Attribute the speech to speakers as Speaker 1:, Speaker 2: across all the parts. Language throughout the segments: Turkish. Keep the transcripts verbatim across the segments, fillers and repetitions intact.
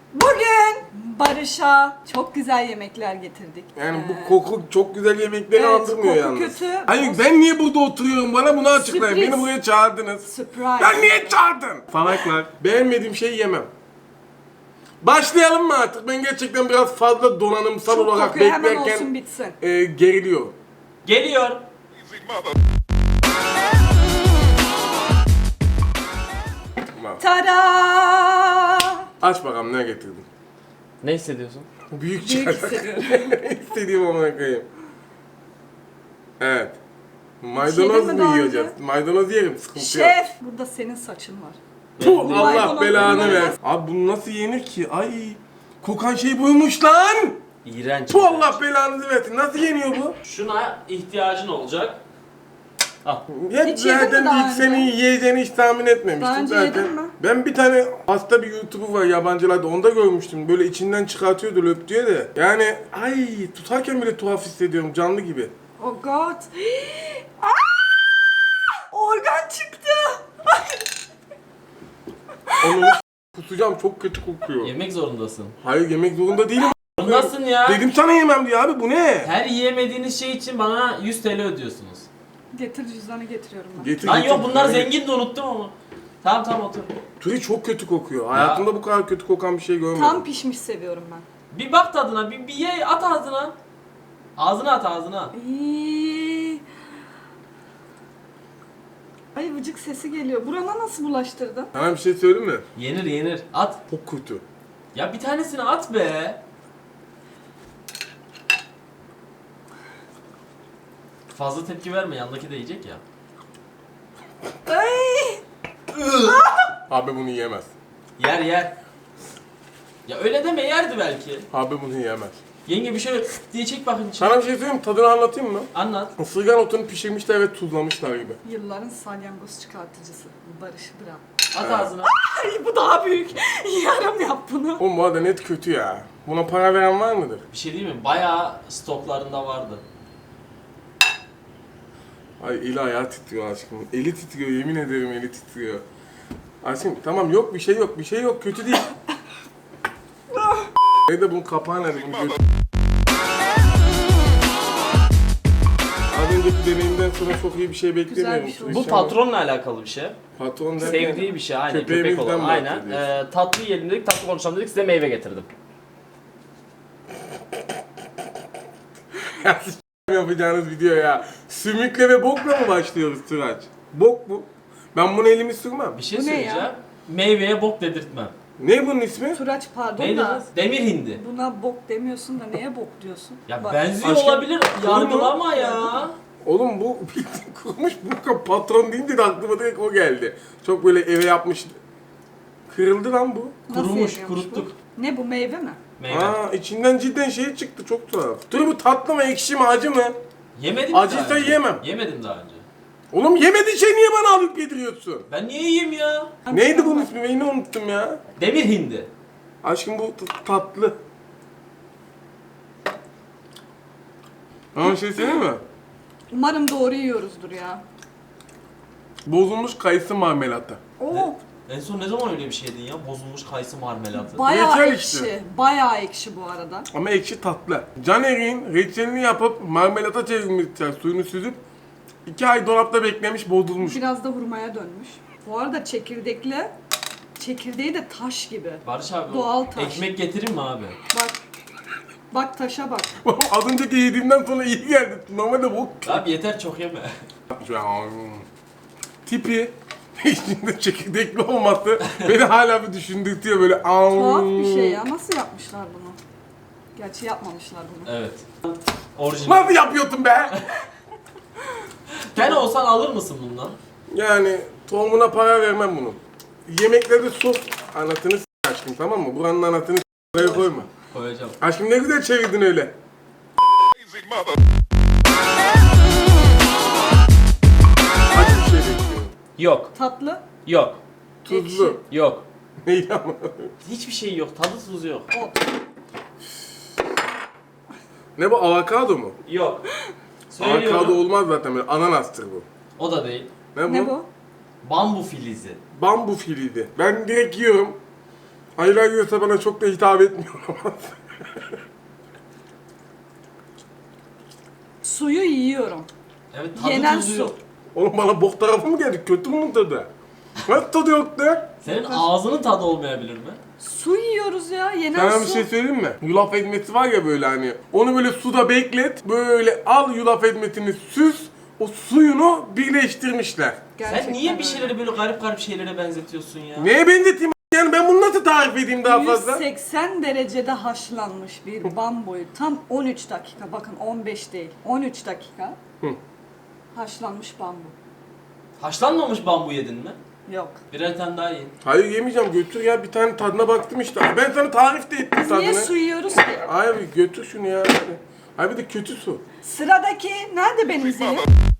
Speaker 1: Bugün Barış'a çok güzel yemekler getirdik.
Speaker 2: Yani
Speaker 1: Ee,
Speaker 2: bu koku çok güzel yemekleri
Speaker 1: evet,
Speaker 2: andırmıyor
Speaker 1: koku
Speaker 2: yalnız.
Speaker 1: kötü.
Speaker 2: Hayır ben niye burada oturuyorum? Bana bunu açıklayın.
Speaker 1: Sürpriz.
Speaker 2: Beni buraya çağırdınız.
Speaker 1: Surprise.
Speaker 2: Ben niye çağırdın? Falaklar. Beğenmediğim şeyi yemem. Başlayalım mı artık? Ben gerçekten biraz fazla donanımsal
Speaker 1: Çok
Speaker 2: olarak
Speaker 1: kokuyor, hemen
Speaker 2: beklerken
Speaker 1: olsun bitsin.
Speaker 2: e, geriliyor.
Speaker 3: Geliyor.
Speaker 2: Tamam.
Speaker 1: Tada!
Speaker 2: Aç bakalım ne getirdin?
Speaker 3: Ne hissediyorsun?
Speaker 2: Büyük
Speaker 1: Büyük
Speaker 2: çanak.
Speaker 1: hissediyorum.
Speaker 2: İstediğim amına koyayım. Evet.
Speaker 1: Yedin
Speaker 2: Maydanoz
Speaker 1: mi
Speaker 2: mu
Speaker 1: daha
Speaker 2: yiyeceğiz?
Speaker 1: önce?
Speaker 2: Maydanoz yerim, sıkıntı yok.
Speaker 1: Şef! Burada senin saçın var.
Speaker 2: Puh,
Speaker 3: Benim
Speaker 2: Allah
Speaker 1: maydanoz
Speaker 2: belanı
Speaker 1: yerim.
Speaker 2: ver. Abi bu nasıl yenir ki? Ay, kokan şey buymuş lan.
Speaker 3: İğrenç.
Speaker 2: Bu Allah belanızı versin. Nasıl yeniyor bu?
Speaker 3: Şuna ihtiyacın olacak. Al.
Speaker 2: Hep
Speaker 1: Hiç yedin mi
Speaker 2: zaten
Speaker 1: daha
Speaker 2: ilk
Speaker 1: önce?
Speaker 2: senin yiyeceğini hiç tahmin etmemiştim
Speaker 1: Daha önce
Speaker 2: zaten.
Speaker 1: yedin mi?
Speaker 2: Ben bir tane hasta bir YouTuber var yabancılarda, onda görmüştüm. Böyle içinden çıkartıyordu löp diye de. Yani ay tutarken bile tuhaf hissediyorum, canlı gibi.
Speaker 1: Oh god. Aa! Organ çıktı.
Speaker 2: Onu kusacağım, çok kötü kokuyor.
Speaker 3: Yemek zorundasın.
Speaker 2: Hayır yemek zorunda değilim.
Speaker 3: Zorundasın ya.
Speaker 2: Dedim sana yemem diye abi, bu ne?
Speaker 3: Her yiyemediğiniz şey için bana yüz TL ödüyorsunuz.
Speaker 1: Getir cüzdanı getiriyorum ben.
Speaker 2: Getir,
Speaker 3: Lan
Speaker 2: getir.
Speaker 3: yok bunlar
Speaker 2: Yani
Speaker 3: zengin de unuttum ama. Tamam tamam otur.
Speaker 2: Turi çok kötü kokuyor. Hayatımda bu kadar kötü kokan bir şey görmedim.
Speaker 1: Tam pişmiş seviyorum ben.
Speaker 3: Bir bak tadına, bir, bir ye, at ağzına. Ağzına at ağzına.
Speaker 1: İyi. Ay vıcık sesi geliyor. Burana nasıl bulaştırdın?
Speaker 2: Sana bir şey söyleyeyim mi?
Speaker 3: Yenir yenir. At.
Speaker 2: Çok kötü.
Speaker 3: Ya bir tanesini at be. Fazla tepki verme, yandaki de yiyecek ya.
Speaker 1: Ay.
Speaker 2: Abi bunu yiyemez.
Speaker 3: Yer yer. Ya öyle deme, yerdi belki.
Speaker 2: Abi bunu yiyemez.
Speaker 3: Yenge bir şöyle diye çek bakayım içine.
Speaker 2: Sana bir şey söyleyeyim mi? Tadını anlatayım mı?
Speaker 3: Anlat.
Speaker 2: Isırgan otunu pişirmişler ve tuzlamışlar gibi.
Speaker 1: Yılların salyangoz çıkartıcısı. Barış Bırak.
Speaker 3: At ağzına.
Speaker 1: Ay bu daha büyük. Yarım yap bunu.
Speaker 2: Oğlum bu arada net kötü ya. Buna para veren var mıdır?
Speaker 3: Bir şey diyeyim mi? Bayağı stoklarında vardı.
Speaker 2: Ay eli ayağı titriyor aşkım. Eli titriyor, yemin ederim eli titriyor. Aşkım tamam, yok bir şey yok, bir şey yok, kötü değil. Nerede bunun kapağı nerede? Bunu gö- Az önceki deneyimden sonra çok iyi bir şey beklemiyorum.
Speaker 1: bir şey
Speaker 2: Turi
Speaker 3: Bu
Speaker 2: şu an.
Speaker 3: patronla alakalı bir şey.
Speaker 2: Patron derken-
Speaker 3: Sevdiği bir şey, aynen köpek
Speaker 2: Köpeğimizden
Speaker 3: olan. Aynen.
Speaker 2: bahsediyorsun.
Speaker 3: Ee, tatlı yiyelim dedik, tatlı konuşalım dedik, size meyve getirdim.
Speaker 2: Ya siz yapacağınız video ya. Sümükle ve bokla mı başlıyoruz Turaç? Bok bu. Ben bunu elimi sürmem.
Speaker 3: Bir şey
Speaker 1: Bu ne
Speaker 3: söyleyeceğim.
Speaker 1: ya?
Speaker 3: Meyveye bok dedirtmem.
Speaker 2: Ne bunun ismi?
Speaker 1: Turaç pardon
Speaker 3: Neydi
Speaker 1: da.
Speaker 3: kız? Demir hindi.
Speaker 1: Buna bok demiyorsun da neye bok diyorsun?
Speaker 3: Ya
Speaker 1: Bak,
Speaker 3: benziyor
Speaker 2: aşkım,
Speaker 3: olabilir, yargılama
Speaker 2: olur mu?
Speaker 3: ya.
Speaker 2: Oğlum bu bildiğin kurumuş bu patron deyince de aklıma direkt o geldi. Çok böyle eve yapmış. Kırıldı lan bu.
Speaker 1: nasıl
Speaker 3: Kurumuş,
Speaker 1: yeniyormuş
Speaker 3: kuruttuk.
Speaker 1: bu? Ne bu meyve mi?
Speaker 3: Meyve.
Speaker 2: Aa içinden cidden şey çıktı, çok tuhaf. Dur bu tatlı mı, ekşi mi, acı mı?
Speaker 3: Yemedim
Speaker 2: Acıysa
Speaker 3: daha önce.
Speaker 2: yemem.
Speaker 3: Yemedim daha önce.
Speaker 2: Oğlum yemediğin şey niye bana alıp yediriyorsun?
Speaker 3: Ben niye yiyeyim ya?
Speaker 2: Neydi bunun ismi? Ben yine unuttum ya.
Speaker 3: Demir hindi.
Speaker 2: Aşkım bu t- tatlı. Ama şey söyleyeyim mi?
Speaker 1: Umarım doğru yiyoruzdur ya.
Speaker 2: Bozulmuş kayısı marmelatı.
Speaker 1: Oo,
Speaker 3: En son ne zaman öyle bir şey yedin ya? Bozulmuş kayısı marmelatı.
Speaker 1: bayağı
Speaker 2: Reçel
Speaker 1: ekşi.
Speaker 2: işte.
Speaker 1: Bayağı ekşi bu arada.
Speaker 2: Ama ekşi tatlı. Caner'in reçelini yapıp marmelata çevirmişler, suyunu süzüp iki ay dolapta beklemiş, bozulmuş.
Speaker 1: Biraz da hurmaya dönmüş. Bu arada çekirdekli, çekirdeği de taş gibi.
Speaker 3: Barış abi
Speaker 1: Doğal taş.
Speaker 3: ekmek getirir mi abi?
Speaker 1: Bak. Bak taşa bak.
Speaker 2: Az önceki yediğimden sonra iyi geldi. Normalde bu
Speaker 3: Abi yeter çok yeme.
Speaker 2: tipi içinde çekirdekli olması beni hala bir düşündürtüyor böyle.
Speaker 1: Tuhaf bir şey ya. Nasıl yapmışlar bunu? Gerçi yapmamışlar bunu.
Speaker 3: Evet. Orijinal.
Speaker 2: Nasıl yapıyordun be?
Speaker 3: Sen olsan alır mısın bundan?
Speaker 2: Yani tohumuna para vermem bunun. Yemeklerde sos anasını s*** aşkım, tamam mı? Buranın anasını s*** koyma.
Speaker 3: Koyacağım.
Speaker 2: Aşkım ne güzel çevirdin öyle. Acı bir şey bekliyorum.
Speaker 3: Yok.
Speaker 1: Tatlı,
Speaker 3: Yok.
Speaker 2: Tuzlu.
Speaker 3: Yok.
Speaker 2: Neydi ama?
Speaker 3: Hiçbir şey yok. Tadı tuzu yok.
Speaker 1: ot.
Speaker 2: Ne bu, avokado mu?
Speaker 3: Yok.
Speaker 2: Avokado
Speaker 3: Söylüyorum.
Speaker 2: olmaz zaten, böyle ananastır bu.
Speaker 3: O da değil.
Speaker 2: Ne bu?
Speaker 1: Ne bu?
Speaker 3: Bambu filizi.
Speaker 2: Bambu filiydi. Ben direkt yiyorum. Hayır yiyorsa bana çok da hitap etmiyor ama.
Speaker 1: Suyu yiyorum.
Speaker 3: Evet tadı
Speaker 1: Yenen
Speaker 3: tuzu
Speaker 1: su.
Speaker 3: yok.
Speaker 2: Oğlum bana bok tarafı mı geldi? Kötü mü tadı? Nasıl tadı yok da?
Speaker 3: Senin ağzının tadı olmayabilir mi?
Speaker 1: Su yiyoruz ya. Yenen
Speaker 2: Sana bir
Speaker 1: su.
Speaker 2: şey söyleyeyim mi? Yulaf ekmesi var ya böyle hani. Onu böyle suda beklet. Böyle al yulaf ekmesini süz. O suyunu birleştirmişler.
Speaker 1: Gerçekten
Speaker 3: Sen niye bir
Speaker 1: öyle.
Speaker 3: şeyleri böyle garip garip şeylere benzetiyorsun ya?
Speaker 2: Neye benzeteyim? Yani ben bunu nasıl tarif edeyim daha fazla?
Speaker 1: yüz seksen derecede haşlanmış bir bambuyu tam on üç dakika, bakın on beş değil, on üç dakika
Speaker 2: Hı.
Speaker 1: haşlanmış bambu.
Speaker 3: Haşlanmamış bambu yedin mi?
Speaker 1: Yok.
Speaker 3: Birer tane daha yiyin.
Speaker 2: Hayır yemeyeceğim, götür ya, bir tane tadına baktım işte. Ben sana tarif de ettim
Speaker 1: Biz
Speaker 2: tadını.
Speaker 1: niye su yiyoruz ki?
Speaker 2: Hayır götür şunu ya. Hadi. Hayır bir de kötü su.
Speaker 1: Sıradaki nerede benim zilim?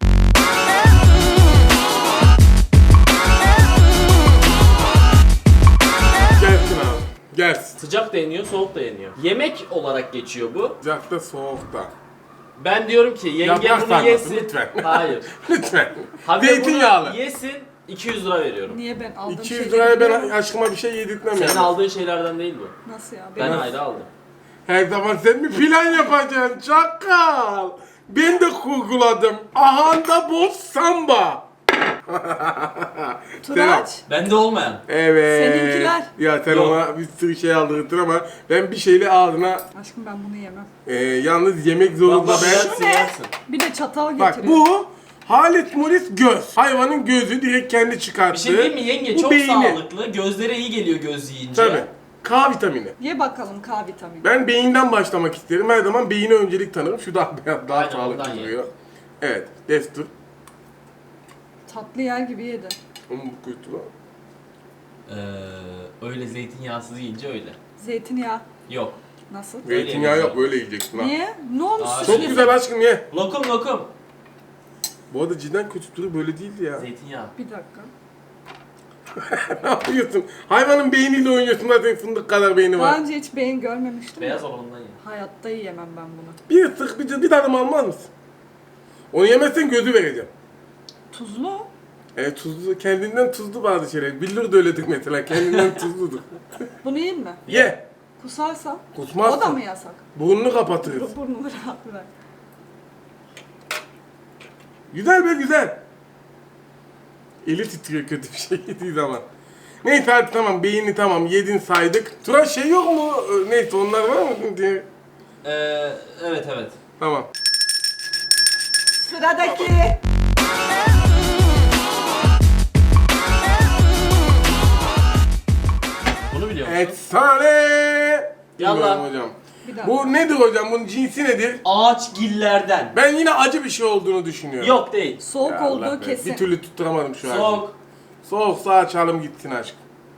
Speaker 2: Gelsin abi. Gelsin.
Speaker 3: Sıcak da yeniyor, soğuk da yeniyor. Yemek olarak geçiyor bu.
Speaker 2: Sıcakta soğukta.
Speaker 3: Ben diyorum ki yenge
Speaker 2: Yaprak
Speaker 3: bunu
Speaker 2: sarması,
Speaker 3: yesin.
Speaker 2: lütfen.
Speaker 3: Hayır.
Speaker 2: Lütfen.
Speaker 3: Haber
Speaker 2: Zeytinyağlı.
Speaker 3: bunu yesin, iki yüz lira veriyorum.
Speaker 1: Niye ben aldığım
Speaker 2: iki yüz
Speaker 1: şeyleri
Speaker 2: liraya ben
Speaker 1: biliyorum.
Speaker 2: aşkıma bir şey yedirtmem
Speaker 3: Senin
Speaker 2: yani.
Speaker 3: aldığın şeylerden değil bu.
Speaker 1: Nasıl ya?
Speaker 3: Ben
Speaker 1: Benim...
Speaker 3: ayrı aldım.
Speaker 2: Her zaman sen mi plan yapacaksın çakal? Ben de kurguladım. Ahanda boz samba.
Speaker 1: Turaç.
Speaker 3: Bende olmayan.
Speaker 2: Evet.
Speaker 1: Seninkiler.
Speaker 2: Ya sen
Speaker 3: Yok.
Speaker 2: ona bir sürü şey aldırdın ama ben bir şeyle ağzına
Speaker 1: Aşkım ben bunu yemem.
Speaker 2: e, yalnız yemek zorunda
Speaker 3: Bak, bak,
Speaker 2: ben.
Speaker 3: yersin,
Speaker 1: ne?
Speaker 3: yersin.
Speaker 1: Bir de çatal
Speaker 2: Bak
Speaker 1: getiriyor.
Speaker 2: bu Halit Mulis göz. Hayvanın gözü direkt kendi
Speaker 3: Bir
Speaker 2: çıkarttı.
Speaker 3: şey diyeyim mi yenge?
Speaker 2: Bu
Speaker 3: Çok
Speaker 2: beyni.
Speaker 3: sağlıklı. Gözlere iyi geliyor göz yiyince.
Speaker 2: Tabii. K vitamini.
Speaker 1: Ye bakalım K vitamini.
Speaker 2: Ben beyinden başlamak isterim. Her zaman beyine öncelik tanırım. Şu daha daha
Speaker 3: Aynen,
Speaker 2: sağlıklı
Speaker 3: ondan ye.
Speaker 2: duruyor. Evet. Destur.
Speaker 1: Tatlı yer gibi yedi.
Speaker 2: Onun bu kötü lan.
Speaker 3: Ee, öyle zeytinyağsız yiyince öyle.
Speaker 1: Zeytinyağı.
Speaker 3: Yok.
Speaker 1: Nasıl?
Speaker 3: Öyle
Speaker 2: Zeytinyağı yok,
Speaker 3: yemeyeceğim.
Speaker 2: böyle yiyeceksin ha.
Speaker 1: Niye? Ne olmuş?
Speaker 3: Aa,
Speaker 2: Çok
Speaker 3: Şey-
Speaker 2: güzel aşkım ye.
Speaker 3: Lokum lokum.
Speaker 2: Bu arada cidden kötü duruyor, böyle değildi ya.
Speaker 3: Zeytinyağı.
Speaker 1: Bir dakika.
Speaker 2: Ne yapıyorsun? Hayvanın beyniyle oynuyorsun, zaten fındık kadar beyni
Speaker 1: Daha
Speaker 2: var.
Speaker 1: önce hiç beyin görmemiştim.
Speaker 3: Beyaz
Speaker 1: de.
Speaker 3: olanından ye.
Speaker 1: Hayatta yiyemem ben bunu.
Speaker 2: Bir ısık bir, bir tadım almaz mısın? Onu yemezsen gözü vereceğim.
Speaker 1: Tuzlu.
Speaker 2: Evet tuzlu, kendinden tuzlu bazı şeyler. Billur da öyledir mesela, kendinden tuzludur.
Speaker 1: Bunu yiyeyim mi?
Speaker 2: Ye.
Speaker 1: Kusarsam?
Speaker 2: Kusmazsın.
Speaker 1: O da mı yasak?
Speaker 2: Burnunu kapatırız.
Speaker 1: Burnumu rahat bırak.
Speaker 2: Güzel be güzel. Eli titriyor kötü bir şey yediği zaman. Neyse hadi tamam, beyni tamam, yedin saydık. Tura şey yok mu? Ee, Neyse onlar var mı diye.
Speaker 3: Ee, evet evet.
Speaker 2: Tamam.
Speaker 1: Sıradaki.
Speaker 3: Bunu biliyor musun?
Speaker 2: Efsane.
Speaker 3: Yallah.
Speaker 2: Bilmiyorum hocam.
Speaker 1: Bir dakika.
Speaker 2: Bu nedir hocam? Bunun cinsi nedir?
Speaker 3: Ağaç gillerden.
Speaker 2: Ben yine acı bir şey olduğunu düşünüyorum.
Speaker 3: Yok değil.
Speaker 1: Soğuk
Speaker 2: Ya Allah
Speaker 1: olduğu
Speaker 2: be,
Speaker 1: kesin.
Speaker 2: Bir türlü tutturamadım şu an.
Speaker 3: Soğuk.
Speaker 2: Soğuksa açalım gitsin aşk.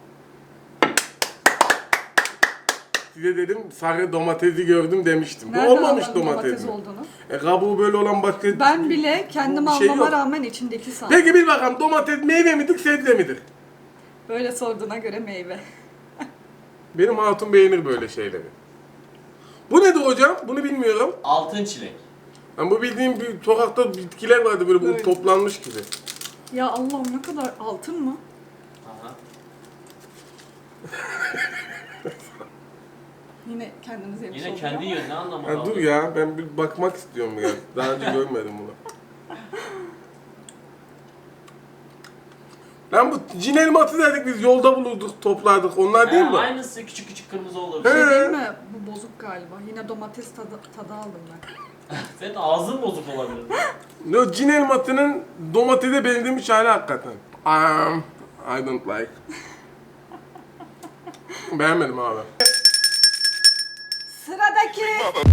Speaker 2: Size dedim sarı domatesi gördüm demiştim.
Speaker 1: Nereden
Speaker 2: Bu olmamış
Speaker 1: anladın
Speaker 2: domates,
Speaker 1: domates
Speaker 2: mi?
Speaker 1: olduğunu?
Speaker 2: E kabuğu böyle olan başka...
Speaker 1: Ben bile kendim
Speaker 2: bir şey
Speaker 1: almama
Speaker 2: yok.
Speaker 1: rağmen içindeki sandım.
Speaker 2: Peki bir bakalım, domates meyve midir sebze midir?
Speaker 1: Böyle sorduğuna göre meyve.
Speaker 2: Benim hatun beğenir böyle şeyleri. Bu nedir hocam? Bunu bilmiyorum.
Speaker 3: Altın çilek.
Speaker 2: Yani bu bildiğim bir sokakta bitkiler vardı böyle, bu
Speaker 1: Böyle.
Speaker 2: toplanmış gibi.
Speaker 1: Ya Allah'ım ne kadar altın mı?
Speaker 3: Aha.
Speaker 1: Yine kendiniz yemiş
Speaker 3: Yine
Speaker 1: olduk
Speaker 3: kendi
Speaker 1: ama.
Speaker 3: yönüne anlamalı.
Speaker 2: Ha, dur ya, ben bir bakmak istiyorum biraz. Daha önce görmedim bunu. Lan bu cin elması dedik biz, yolda bulurduk, toplardık. Onlar değil
Speaker 3: He,
Speaker 2: mi?
Speaker 3: aynısı küçük küçük kırmızı olur.
Speaker 1: Bir şey
Speaker 2: He.
Speaker 1: değil mi? Bu bozuk galiba. Yine domates tadı, tadı aldım ben.
Speaker 3: Senin ağzın bozuk olabilir.
Speaker 2: No, cin elmasının domatese benzemiş hali hakikaten. Um, I don't like. Beğenmedim abi.
Speaker 1: Sıradaki.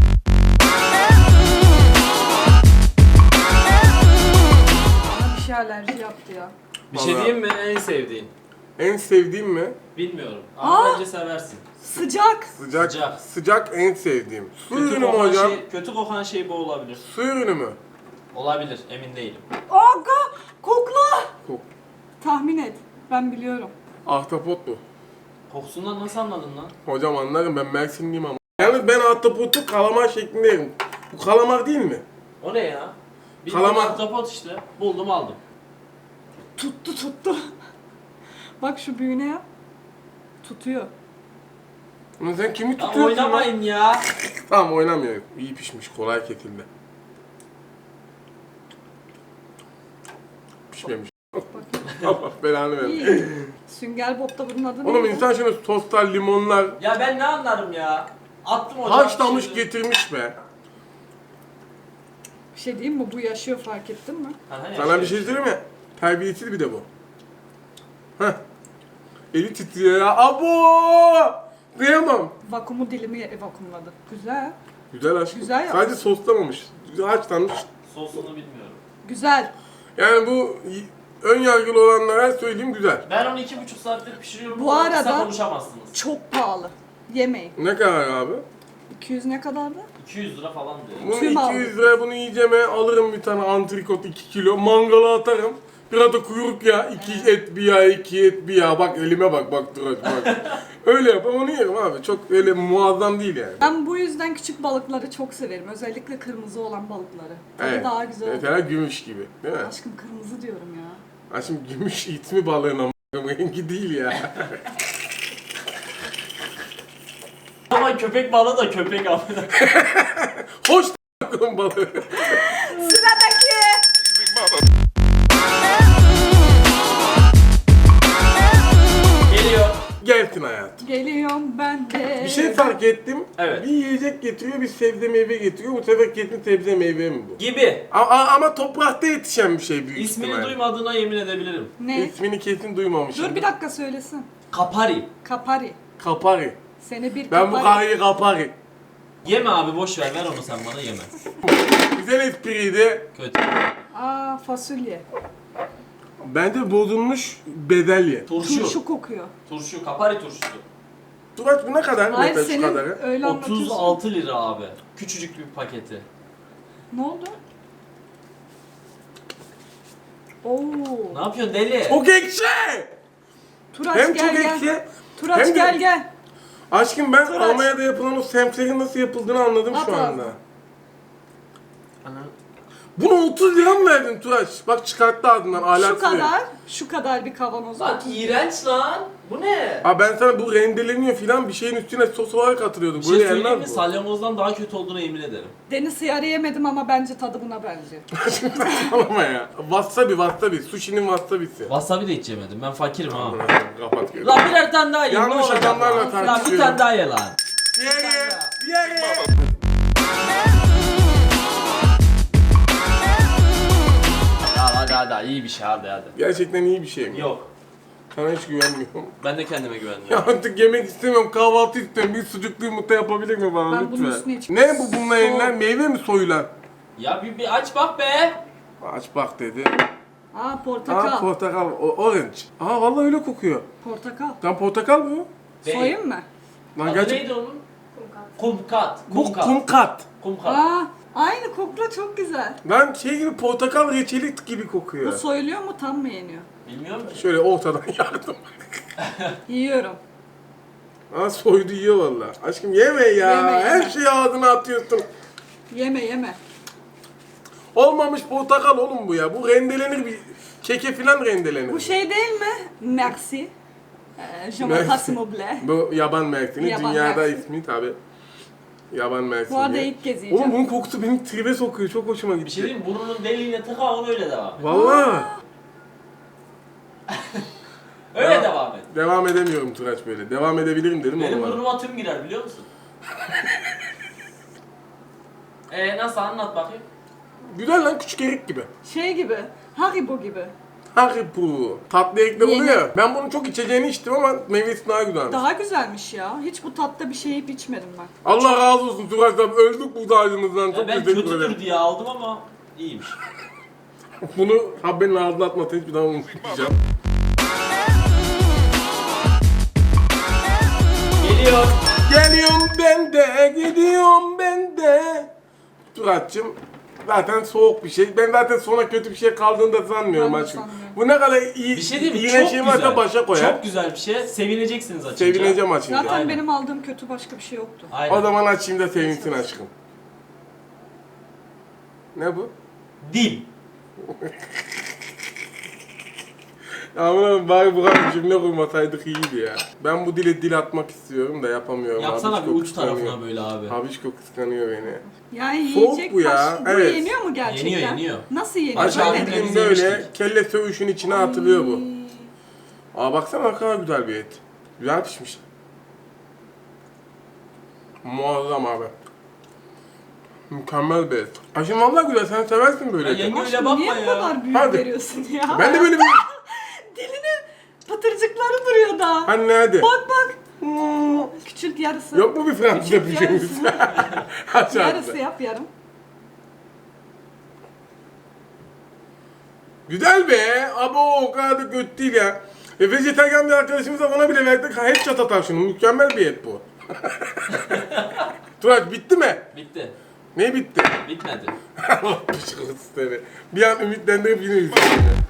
Speaker 1: Bana bir şey alerji yaptı ya.
Speaker 3: Bir şey
Speaker 2: Vallahi.
Speaker 3: diyeyim mi en sevdiğin?
Speaker 2: En sevdiğim mi?
Speaker 3: Bilmiyorum. Ama
Speaker 1: Aa!
Speaker 3: bence seversin.
Speaker 1: Sıcak.
Speaker 2: Sıcak.
Speaker 3: Sıcak.
Speaker 2: Sıcak en sevdiğim. Su
Speaker 3: Kötü
Speaker 2: ürünü mü
Speaker 3: kokan
Speaker 2: hocam?
Speaker 3: şey, kötü kokan şey bu olabilir.
Speaker 2: Su ürünü mü?
Speaker 3: Olabilir, emin değilim.
Speaker 1: Aga! Kokla!
Speaker 2: Kok.
Speaker 1: Tahmin et. Ben biliyorum.
Speaker 2: Ahtapot mu?
Speaker 3: Kokusundan nasıl anladın lan?
Speaker 2: Hocam anlarım, ben Mersinliyim ama. Yalnız ben ahtapotu kalamar şeklinde yerim. Bu kalamar değil mi?
Speaker 3: O ne ya? Bildiğin
Speaker 2: Kalamar.
Speaker 3: ahtapot işte. Buldum aldım.
Speaker 1: Tuttu tuttu. Bak şu büyüğüne yap. Tutuyor.
Speaker 2: Lan sen kimi
Speaker 3: Ya
Speaker 2: tutuyorsun lan?
Speaker 3: oynamayın ya.
Speaker 2: Tamam oynamıyor. İyi pişmiş, kolay kesildi. Pişmemiş. Allah belanı versin.
Speaker 1: İyi. Sünger Bob'da bunun adı
Speaker 2: Oğlum
Speaker 1: neydi?
Speaker 2: insan şöyle soslar, limonlar
Speaker 3: Ya ben ne anlarım ya. Attım ocağa.
Speaker 2: haşlamış
Speaker 3: pişirdim.
Speaker 2: getirmiş be.
Speaker 1: Bir şey diyeyim mi? Bu yaşıyor, fark ettin mi?
Speaker 3: Ha, ha,
Speaker 2: Sana bir
Speaker 3: yaşıyor.
Speaker 2: şey söyleyeyim mi? Terbiyesiz bir de bu. Heh. Eli titriyor ya. Abo! Kıyamam.
Speaker 1: Vakumu dilimi vakumladı. Güzel.
Speaker 2: Güzel aşkım.
Speaker 1: Güzel yapmış.
Speaker 2: Sadece soslamamış. Güzel haşlanmış.
Speaker 3: Sosunu bilmiyorum.
Speaker 1: Güzel.
Speaker 2: Yani bu y- ön yargılı olanlara söyleyeyim güzel.
Speaker 3: Ben onu iki buçuk saattir pişiriyorum.
Speaker 1: Bu
Speaker 3: Bu arada
Speaker 1: arada-
Speaker 3: konuşamazsınız.
Speaker 1: Çok pahalı. Yemeyin.
Speaker 2: Ne kadar abi?
Speaker 1: iki yüz ne kadardı?
Speaker 3: iki yüz lira falan diyor.
Speaker 2: Bunu
Speaker 1: Tüm
Speaker 2: iki yüz liraya bunu yiyeceğime alırım bir tane antrikot iki kilo. Mangala atarım. Biraz da kuyruk ya. iki et bir yağ, iki et bir yağ. Bak elime bak, bak dur bak. Öyle yaparım onu yerim abi. Çok öyle muazzam değil yani.
Speaker 1: Ben bu yüzden küçük balıkları çok severim. Özellikle kırmızı olan balıkları. Tadı
Speaker 2: Evet.
Speaker 1: daha güzel oluyor.
Speaker 2: Mesela gümüş gibi değil mi?
Speaker 1: Aşkım kırmızı diyorum ya.
Speaker 2: Ha şimdi gümüş itmi balığın ama rengi değil ya.
Speaker 3: Ama köpek balığı da köpek abi.
Speaker 2: Hoş bakalım balığı.
Speaker 1: Sıradaki.
Speaker 3: Geliyor.
Speaker 2: Gelsin hayatım.
Speaker 1: Geliyorum ben de.
Speaker 2: Bir şey fark ettim.
Speaker 3: Evet.
Speaker 2: Bir yiyecek getiriyor, bir sebze meyve getiriyor. Bu sefer kesin sebze meyve mi bu?
Speaker 3: Gibi.
Speaker 2: A- a- ama toprakta yetişen bir şey büyük
Speaker 3: İsmini
Speaker 2: ihtimalle.
Speaker 3: duymadığına yemin edebilirim.
Speaker 1: Ne?
Speaker 2: İsmini kesin duymamışım.
Speaker 1: Dur bir dakika söylesin.
Speaker 3: Kapari.
Speaker 1: Kapari.
Speaker 2: Kapari.
Speaker 1: Seni bir
Speaker 2: Ben bu
Speaker 1: kapari.
Speaker 2: karıyı kapari.
Speaker 3: Yeme abi boş ver ver onu sen bana yeme.
Speaker 2: Güzel espriydi.
Speaker 3: Kötü.
Speaker 1: Aa fasulye.
Speaker 2: Bence bozulmuş bezelye.
Speaker 3: Turşu.
Speaker 1: Turşu kokuyor.
Speaker 3: Turşu. Kapari turşusu.
Speaker 2: Turaç bu ne kadar?
Speaker 1: Hayır
Speaker 2: Mesela şu
Speaker 1: senin
Speaker 2: kadarı.
Speaker 1: öyle anlatıyorsun.
Speaker 3: otuz altı lira abi. Küçücük bir paketi.
Speaker 1: Ne oldu? Oo.
Speaker 3: Ne yapıyorsun deli?
Speaker 2: Çok ekşi!
Speaker 1: Turaç
Speaker 2: Hem
Speaker 1: gel
Speaker 2: çok
Speaker 1: gel.
Speaker 2: ekşi.
Speaker 1: Turaç
Speaker 2: hem de-
Speaker 1: gel gel.
Speaker 2: Aşkım ben
Speaker 1: Turaç.
Speaker 2: Almanya'da yapılan o semserin nasıl yapıldığını anladım
Speaker 1: At
Speaker 2: şu
Speaker 1: ağzına.
Speaker 2: anda. Bunu otuz lira mı verdin Turaç? Bak çıkarttı ağzından ahlaksız.
Speaker 1: Şu kadar, şu kadar bir kavanoz.
Speaker 3: Lan iğrenç lan. Bu ne?
Speaker 2: Aa ben sana bu rendeleniyor filan bir şeyin üstüne sos olarak atılıyordum.
Speaker 3: Bir şey
Speaker 2: Böyle
Speaker 3: söyleyeyim mi?
Speaker 2: yenmez bu.
Speaker 3: Salyangozdan daha kötü olduğuna yemin ederim.
Speaker 1: Deniz hıyarı yemedim ama bence tadı buna benziyor.
Speaker 2: Saçmalama ya. Wasabi wasabi. Sushi'nin wasabisi.
Speaker 3: Wasabi de hiç yemedim. Ben fakirim ha.
Speaker 2: Kapat gözünü.
Speaker 3: Lan birer tane daha ye.
Speaker 2: Yanlış
Speaker 3: ne olacak
Speaker 2: adamlarla
Speaker 3: lan? Lan bir
Speaker 2: tartışıyorum.
Speaker 3: tane daha ye lan.
Speaker 2: Diğeri, diğeri.
Speaker 3: Ya hadi hadi iyi bir şey hadi hadi.
Speaker 2: Gerçekten iyi bir şey mi?
Speaker 3: Yok.
Speaker 2: Sana hiç güvenmiyorum.
Speaker 3: Ben de kendime güvenmiyorum.
Speaker 2: Ya artık yemek istemiyorum, kahvaltı istiyorum. Bir sucuklu yumurta yapabilir mi bana
Speaker 1: Ben
Speaker 2: lütfen?
Speaker 1: bunun üstüne hiç-
Speaker 2: Ne bu bununla
Speaker 1: Soğuk.
Speaker 2: yenilen? Meyve mi soyulan?
Speaker 3: Ya bir, bir aç bak be.
Speaker 2: Aç bak dedi.
Speaker 1: Aa portakal.
Speaker 2: Aa portakal, o- orange. Aa vallahi öyle kokuyor.
Speaker 1: portakal.
Speaker 2: Lan portakal mı?
Speaker 3: Değil.
Speaker 1: Soyayım mı?
Speaker 2: Lan
Speaker 3: Adı
Speaker 2: gerçek...
Speaker 3: neydi onun? Kumkat.
Speaker 2: Bu
Speaker 3: Kumkat.
Speaker 2: kumkat.
Speaker 3: Kumkat.
Speaker 1: Aa aynı kokla çok güzel.
Speaker 2: Lan şey gibi portakal reçeli gibi kokuyor.
Speaker 1: Bu soyuluyor mu tam mı yeniyor?
Speaker 3: Bilmiyorum ki.
Speaker 2: Şöyle ortadan yardım.
Speaker 1: Yiyorum.
Speaker 2: Aa soydu yiyor valla. Aşkım yeme ya.
Speaker 1: Yeme, yeme.
Speaker 2: Her şeyi ağzına atıyorsun.
Speaker 1: Yeme yeme.
Speaker 2: Olmamış portakal oğlum bu ya. Bu rendelenir bir keke filan rendelenir.
Speaker 1: Bu şey değil mi? Merci. Ee, je
Speaker 2: Merci.
Speaker 1: m'appelle Moble.
Speaker 2: Bu yaban mersini.
Speaker 1: Yaban
Speaker 2: Dünyada
Speaker 1: mersini.
Speaker 2: ismi tabi. Yaban mersini.
Speaker 1: Bu arada ilk kez
Speaker 2: Oğlum
Speaker 1: yiyeceğim.
Speaker 2: bunun kokusu beni tribe sokuyor. Çok hoşuma gitti.
Speaker 3: Bir şey diyeyim mi? Burnunun deliğine tıka onu öyle devam et.
Speaker 2: Valla.
Speaker 3: Öyle
Speaker 2: Ya.
Speaker 3: devam et.
Speaker 2: Devam edemiyorum Turaç böyle. Devam edebilirim dedim
Speaker 3: Benim
Speaker 2: ama.
Speaker 3: burnuma tüm girer biliyor musun? Eee nasıl anlat bakayım.
Speaker 2: Güzel lan küçük erik gibi.
Speaker 1: Şey gibi. Haribo gibi.
Speaker 2: Haribo. Tatlı erikler
Speaker 1: Yeni.
Speaker 2: oluyor ya. Ben bunun çok içeceğini içtim ama meyvesi daha güzelmiş.
Speaker 1: Daha güzelmiş ya. Hiç bu tatta bir şey yiyip içmedim ben.
Speaker 2: Allah razı olsun Turaç abi. Öldük burada ağacımızdan.
Speaker 3: Ya
Speaker 2: Çok
Speaker 3: ben
Speaker 2: teşekkür ederim.
Speaker 3: kötüdür diye aldım ama iyiymiş.
Speaker 2: Bunu Habbe'nin ağzına atmasın hiçbir zaman unutmayacağım.
Speaker 3: Geliyor.
Speaker 2: Geliyorum ben de, gidiyorum ben de. Turaç'cığım zaten soğuk bir şey. Ben zaten sonra kötü bir şey kaldığını da sanmıyorum
Speaker 1: Ben de
Speaker 2: aşkım.
Speaker 1: sanmıyorum.
Speaker 2: Bu ne kadar iyi,
Speaker 3: Bir şey değil mi?
Speaker 2: iyi
Speaker 3: Çok
Speaker 2: şey varsa
Speaker 3: güzel.
Speaker 2: başa koyar.
Speaker 3: Çok güzel bir şey. Sevineceksiniz açınca.
Speaker 2: Sevineceğim açınca.
Speaker 1: Zaten
Speaker 3: Aynen.
Speaker 1: benim aldığım kötü başka bir şey yoktu.
Speaker 3: Aynen.
Speaker 2: O zaman açayım da sevinsin aşkım. Ne bu?
Speaker 3: Dil.
Speaker 2: Ama bari bu kadar cümle kurmasaydık iyiydi ya. Ben bu dile dil atmak istiyorum da yapamıyorum.
Speaker 3: Yapsana
Speaker 2: Abişko
Speaker 3: bir uç
Speaker 2: kıskanıyor.
Speaker 3: tarafına böyle abi.
Speaker 2: Abişko kıskanıyor beni.
Speaker 1: Yani
Speaker 2: Soğuk
Speaker 1: yiyecek
Speaker 2: bu ya,
Speaker 1: taş- bu
Speaker 2: evet.
Speaker 1: yeniyor mu gerçekten?
Speaker 3: Yeniyor, yeniyor.
Speaker 1: Nasıl yeniyor?
Speaker 3: Aç
Speaker 2: Acaba
Speaker 3: abi,
Speaker 1: Böyle mi?
Speaker 3: biz
Speaker 2: bildiğin böyle
Speaker 3: yemiştik.
Speaker 2: kelle söğüşün içine atılıyor bu. Aa baksana ne kadar güzel bir et. Güzel pişmiş. Muazzam abi. Mükemmel bir et. Aşkım vallahi güzel, sen seversin böyle
Speaker 3: Ya
Speaker 2: eti.
Speaker 3: yenge-
Speaker 1: Aşkım,
Speaker 3: Öyle bakma
Speaker 1: niye bu
Speaker 3: ya.
Speaker 1: kadar büyük
Speaker 2: Hadi.
Speaker 1: veriyorsun ya?
Speaker 2: Ben de böyle bir...
Speaker 1: Dilinin patırcıkları duruyor da.
Speaker 2: Anne hadi.
Speaker 1: Bak bak. Küçült yarısı.
Speaker 2: Yok mu bir Fransızca
Speaker 1: Küçült
Speaker 2: bir şeyimiz? Aç
Speaker 1: Yarısı
Speaker 2: ağzını.
Speaker 1: yap yarım.
Speaker 2: Güzel be. Abo o kadar da kötü değil ya. E, vejetaryen bir arkadaşımıza ona bile verdik. Headshot atar şunu. Mükemmel bir et bu. Turaç bitti mi?
Speaker 3: Bitti.
Speaker 2: Ne bitti?
Speaker 3: Bitmedi.
Speaker 2: Allah pişkırtı seni. Bir an ümitlendirip yine üzüldüm.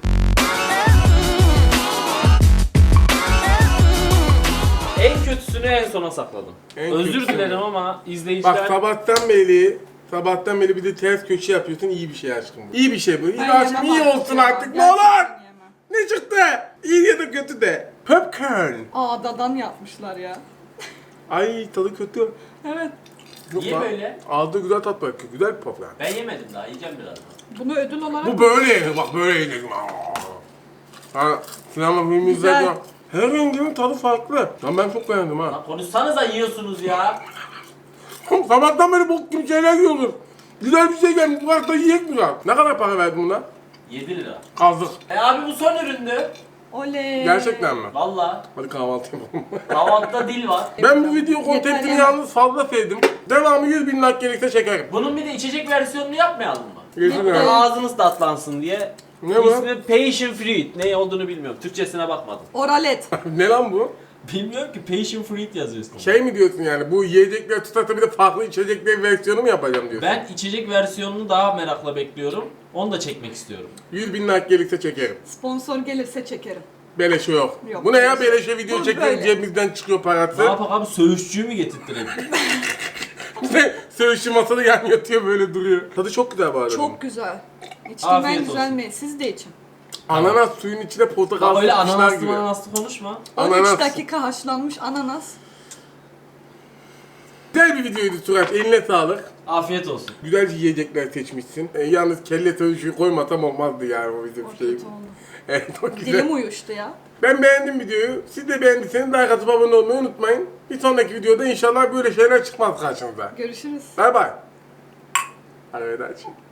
Speaker 3: En kötüsünü en sona sakladım.
Speaker 2: En
Speaker 3: Özür
Speaker 2: kötüsünü.
Speaker 3: dilerim ama izleyiciler...
Speaker 2: Bak sabahtan beri sabahtan beri bir de ters köşe yapıyorsun. İyi bir şey aşkım bu. İyi bir şey bu. İyi
Speaker 1: Ben
Speaker 2: aşkım
Speaker 1: yemem
Speaker 2: iyi
Speaker 1: artık
Speaker 2: olsun
Speaker 1: ya.
Speaker 2: artık ne
Speaker 1: Gerçekten
Speaker 2: olur.
Speaker 1: yemem.
Speaker 2: Ne çıktı? İyi ya da kötü de. Popcorn.
Speaker 1: Ağdadan yapmışlar ya.
Speaker 2: Ay tadı kötü.
Speaker 1: Evet.
Speaker 2: Yok
Speaker 3: Niye
Speaker 2: lan.
Speaker 3: böyle?
Speaker 2: Ağzı güzel tat bırakıyor. Güzel bir popcorn.
Speaker 3: Ben yemedim daha, yiyeceğim birazdan.
Speaker 1: Bunu ödül olarak...
Speaker 2: Bu böyle yenir bak böyle yenir. Ha, sinema filmi
Speaker 1: Güzel.
Speaker 2: izlerken her renginin tadı farklı. Lan ben çok beğendim ha.
Speaker 3: Lan konuşsanıza yiyorsunuz ya.
Speaker 2: Sabahtan beri bok gibi şeyler yiyoruz. Güzel bir şey gelmiş. Bu kadar da yiyek mi lan? Ne kadar para verdin buna?
Speaker 3: yedi lira.
Speaker 2: Kazdık.
Speaker 3: E abi bu son üründü.
Speaker 1: Oley.
Speaker 2: Gerçekten mi?
Speaker 3: Valla.
Speaker 2: Hadi kahvaltı yapalım.
Speaker 3: Kahvaltıda dil var.
Speaker 2: Ben bu video kontentini
Speaker 1: Yeter,
Speaker 2: yalnız fazla sevdim. Devamı yüz bin like gelirse çekerim.
Speaker 3: Bunun bir de içecek versiyonunu yapmayalım mı?
Speaker 2: Geçin
Speaker 1: Yeter.
Speaker 2: ya.
Speaker 3: Ağzınız tatlansın diye.
Speaker 2: Ne bu?
Speaker 3: İsmi Passion Fruit. Ne olduğunu bilmiyorum. Türkçesine bakmadım.
Speaker 1: Oralet.
Speaker 2: Ne lan bu?
Speaker 3: Bilmiyorum ki Passion Fruit yazıyorsun.
Speaker 2: Şey mi diyorsun yani bu yiyecekler tutarsa bir de farklı içecekler versiyonu mu yapacağım diyorsun?
Speaker 3: Ben içecek versiyonunu daha merakla bekliyorum. Onu da çekmek istiyorum.
Speaker 2: yüz bin like gelirse çekerim.
Speaker 1: Sponsor gelirse çekerim.
Speaker 2: Beleşe yok.
Speaker 1: Yok,
Speaker 2: Bu ne ya
Speaker 1: beleşe.
Speaker 2: beleşe video
Speaker 1: Bu
Speaker 2: çekiyoruz
Speaker 1: böyle.
Speaker 2: cebimizden çıkıyor
Speaker 3: Ne
Speaker 2: parası.
Speaker 3: yapak abi, söğüşçüyü mü getirttirelim?
Speaker 2: Söğüşçü masada yan yatıyor böyle duruyor. Tadı çok güzel bu arada.
Speaker 1: Çok güzel. İçtiğim en
Speaker 3: Afiyet
Speaker 1: güzel
Speaker 3: olsun.
Speaker 1: mi? Siz de için.
Speaker 2: Ananas suyun içine portakal
Speaker 3: Bak öyle
Speaker 2: sıkmışlar
Speaker 3: ananaslı
Speaker 2: gibi.
Speaker 3: ananaslı konuşma.
Speaker 1: on üç
Speaker 2: Ananas.
Speaker 1: dakika haşlanmış ananas.
Speaker 2: Güzel bir videoydu Turaç. Eline sağlık.
Speaker 3: Afiyet olsun.
Speaker 2: Güzel yiyecekler seçmişsin. E, yalnız kelle söğüşü koymasam olmazdı yani o bizim
Speaker 1: O
Speaker 2: şey.
Speaker 1: kötü oldu.
Speaker 2: Evet o güzel.
Speaker 1: Dilim uyuştu ya.
Speaker 2: Ben beğendim videoyu. Siz de beğendiyseniz like atıp abone olmayı unutmayın. Bir sonraki videoda inşallah böyle şeyler çıkmaz karşınıza.
Speaker 1: Görüşürüz.
Speaker 2: Bay bay. Arrivederci.